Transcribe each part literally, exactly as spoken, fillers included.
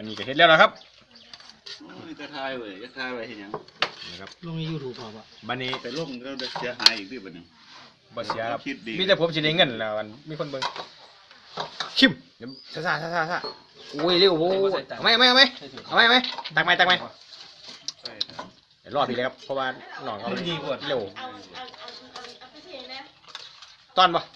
วันนี้ก็เฮ็ดแล้วนะครับจะทายเว้ยจะทายไว้เห็นยังนะครับลงในยูทูบพอปะวันนี้ไปลงเราจะเสียหายอีกด้วยบัดนี้บ่เสียครับมีแต่ผมสิได้เงินแล้วมันมีคนเบิ่งชิมเดี๋ยวซ่าซ่าซ่าซ่าโอ้ยเร็วโว้ยเอาไหมเอาไหมเอาไหมเอาไหมเอาไหมตักไหมตักไหมเดี๋ยวรอพี่เลยครับเพราะว่าหนองเขาเร็วตอนปะ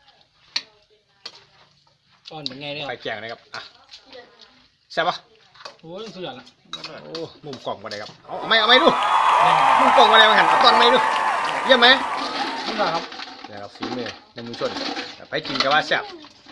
ตอนเป็นไงเนี่ยไฟแจงนะครับอ่ะแซ่บปะโอ้ยสุดยอดละโอ้มุมกล่องมาเลยครับเอาเอาไหมเอาไหมดูมุมกล่องมาเลยมาหันเอาตอนไหมดูเยี่ยมไหมสุดยอดครับนะครับฝีมือในมือชนไปกินกับว่าแซ่บ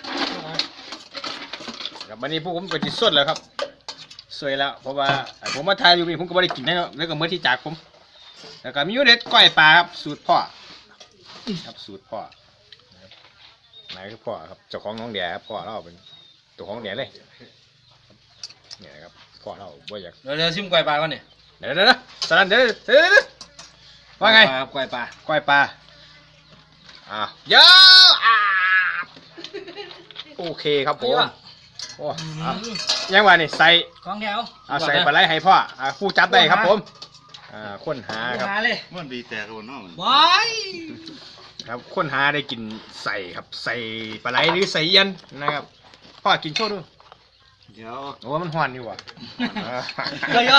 ครับวันนี้พวกผมก็จิตสดแล้วครับสวยแล้วเพราะว่าผมมาทายอยู่นี่ผมก็ไม่ได้กินนะครับแล้วก็เมื่อที่จากผมแล้วก็มียูเด็ดก้อยปลาครับสูตรพ่อครับสูตรพ่อไหนคือพ่อครับเจ้าของน้องแดดครับพ่อเราเป็นตัวของแดดเลยเนี่ยครับพ่อเราบ่อยากเดี๋ยวเดี๋ยวชิมกล้วยปลาก่อนเนี่ยเดี๋ยวเดี๋ยวสลันเดี๋ยวเดี๋ยวว่าไงกล้วยปลาก้อยปลาอ่ะเยอะอ่ะโอเคครับผมโอ้ยังว่านี่ใส่ของแถวเอาใส่ปลาไหลให้พ่ออ่าผู้จับได้ครับผมอ่าค้นหาครับมันดีแต่คนน้องบอยครับค้นหาได้กินใส่ครับใส่ปลาไหลหรือใส่ยันนะครับพ่อกินโชว์ดูเดี๋ยวโอ้มันหวานอยู่ว่ะก็ย่อ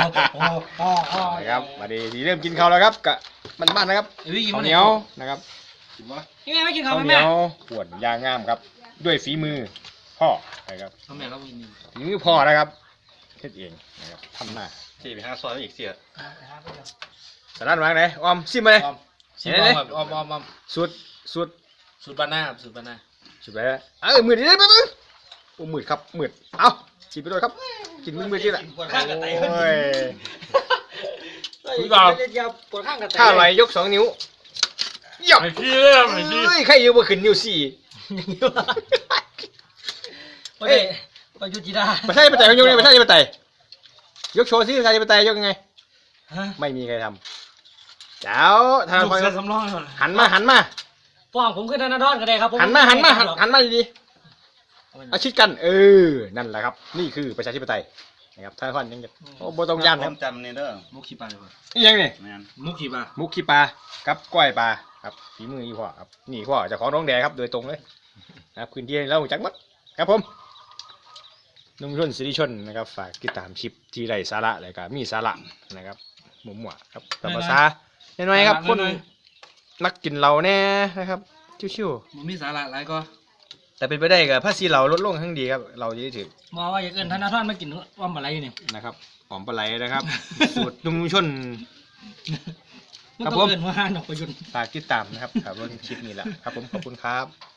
ครับมาดีทีเริ่มกินข้าวแล้วครับกะมันบ้านนะครับข้าวเหนียวนะครับยังไงไม่กินข้าวเหนียวขวดยางงามครับด้วยฝีมือพ่อนะครับฝีมือพ่อนะครับเฮ็ดเองนะครับทำหน้าที่ไปหาซอยอีกเสียสลัดวางไหนออมซิมมาเลยซิมออมออมออมออมสูตรสูตรสูตรบ้านหน้าสูตรบ้านหน้าสูตรไปแล้วเออมืดดิได้ปะมึงโอ้มืดครับมืดเอากินไปด้วยครับกินมืดมืดที่ละโอ้ยคุณบ่าวถ้าไหลยกสองนิ้วหยับเฮ้ยใครอยู่บนขึ้นนิ้วสี่เฮ้ยไปยุจิดาไม่ใช่ไปไต่ยกไงไม่ใช่ไปไต่ยกโชว์สิใครจะไปไต่ยกยังไงไม่มีใครทำเจ้าทางคนหันมาหันมาป้องผมขึ้นธนาดอนก็ได้ครับหันมาหันมาหันมาดีๆอาชิดกันเออนั่นแหละครับนี่คือประชาธิปไตยนะครับท่านท่านยังจะโอ้โบตองยันครับจำนี่เด้อมุกขี้ปลาเลยนี่ยังนี่มุกขี้ปลามุกขี้ปลากับก้อยปลาครับฝีมืออีพ่อครับนี่พ่อจะของน้องแดงครับโดยตรงเลยนะครับพื้นที่เราจักมัดครับผมนุ่มชนสิริชนนะครับฝากติดตามคลิปที่ไร้สาระเลยครับมีสาระนะครับหมุ่มหมวครับธรรมชาติน้อยๆครับคนนักกินเหล้าแน่นะครับชิวๆมีสาระหลายก็แต่เป็นไปได้กับภาษีเราลดลงทั้งดีครับเราจะได้ถือมองว่าอย่าเกินธนาท่านไม่กินว่าปลาไหลอยู่นี่นะครับหอมปลาไหลนะครับสูตรนุ่มชนครับผมเกินว่าห้าดอกประยุนฝากติดตามนะครับครับรถคลิปนี้แหละครับผมขอบคุณครับ